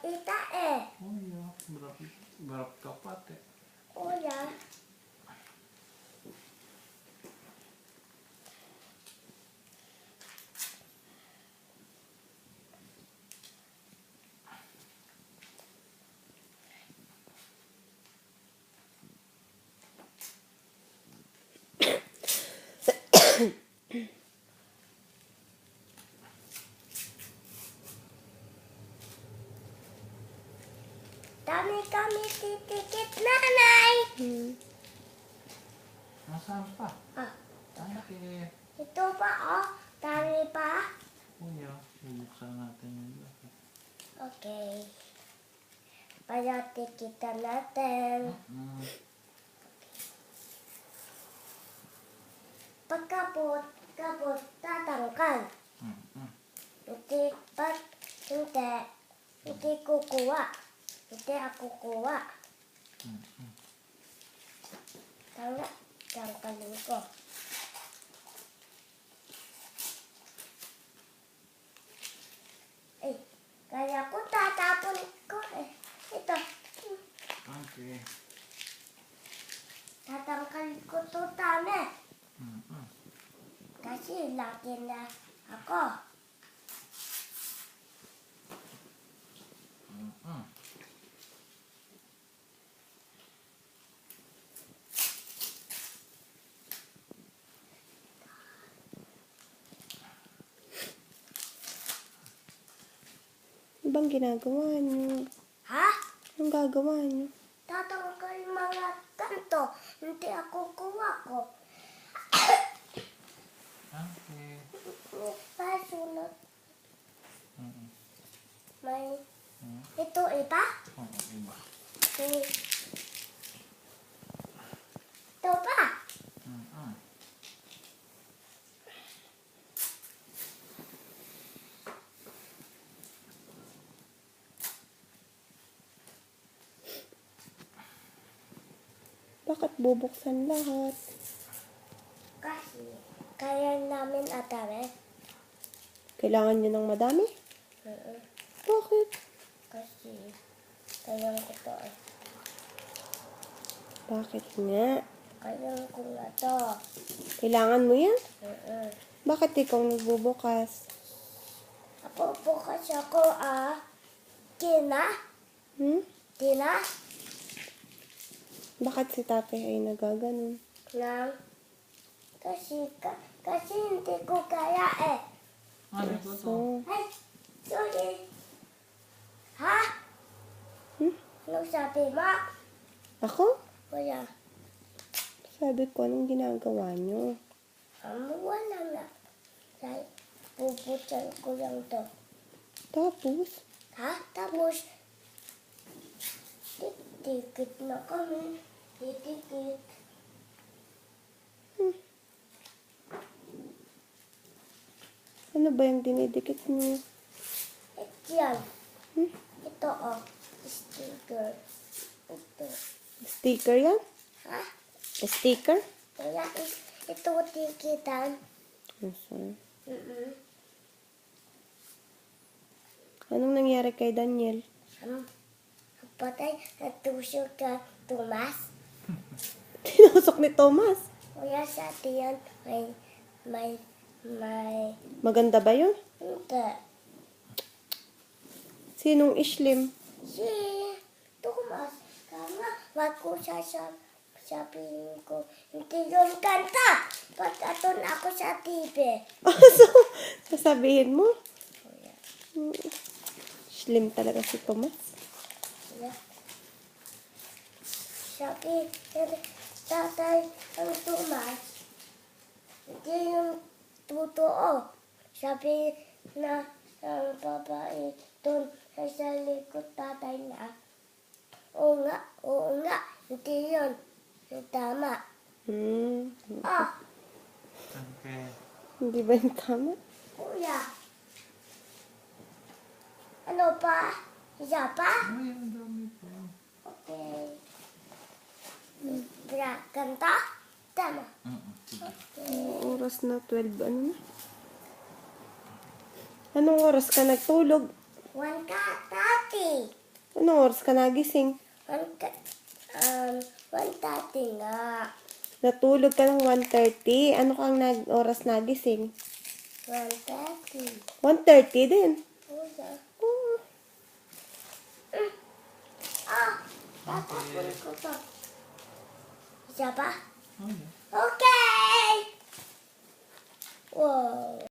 ita eh. Oh iya, berapa kapat ya? Oh ya. Dami kami titikit nanay. Nasaan pa? Ah, Oke. ito pa oh. Dami pa. Oh iya, bubuksan natin yun. Okay. Para tikitan natin. Pagkapot, tatangkal. Hindi kukuha. Hindi ako kuha. Tangkalin ko. Eh, kaya ko tatapon ko eh. Ito. Oke. Tatangkalin ko to tama. Kasi laki na ako. Ano bang ginagawa niyo? Ha? Anong gagawa niyo? Tatangkal mga kanto. Hindi ako kuha ko. Oke. Pasunod. May ito iba? Oh, iba. Ito pa? Bakit bubuksan lahat? Kasi kaya namin atare. Kailangan niyo ng madami? Bakit? Kasi kaya ko to eh. Bakit nga? Kaya ko na to. Kailangan mo yan? Uh-uh. Bakit ikaw nagbubukas? Ako bukas ako Tina? Tina? Bakit si tatay ay nagaganon? Lang. Kasi hindi ko kaya eh. Ano ito to? So, Ay, sorry. Ha? Ano sabi mo? ako? Kuya, Sabi ko, anong ginagawa niyo? wala na. Dahil puputan ko lang to. Tapos, Ha? Tapos, titikit na kami. Titikit. ano ba yung dinidikit niyo? Yan. Ito oh. Sticker. Ito. Sticker yan? Ha? Sticker? Kaya ito tikitan. So, Mm-mm. anong nangyari kay Daniel? Patay, natusok ka, Tomas. Tinusok ni Thomas. Kuya sa tiyan, may, Maganda ba yun? hindi. Sinong Ishlim? Si Tomas, kama, wag ko sasabihin ko, hindi yun kanta. Pagkaton ako sa TV. So, sasabihin mo? Kuya, Ishlim talaga si Thomas. kuya. Sabi, tatay ang Tomas, hindi yung totoo. Sabi na ang babae doon sa likod tatay na, oo nga, hindi yun. Tama. Ah, Oke. Hindi ba yung tama? kuya. Ano pa? Isa pa? Oh iya, ang dami pa. Okay. Kanta? Tama. Sige. Anong oras na? 12, ano na? Anong oras ka nagtulog? One cut. Anong oras ka nagising? 1:30 nga. Natulog ka ng 1:30. Ano kang oras nagising? 1:30. 1:30 din. Okay. Oh. Tatapon ko to. Isa pa? Okay. Okay! Wow.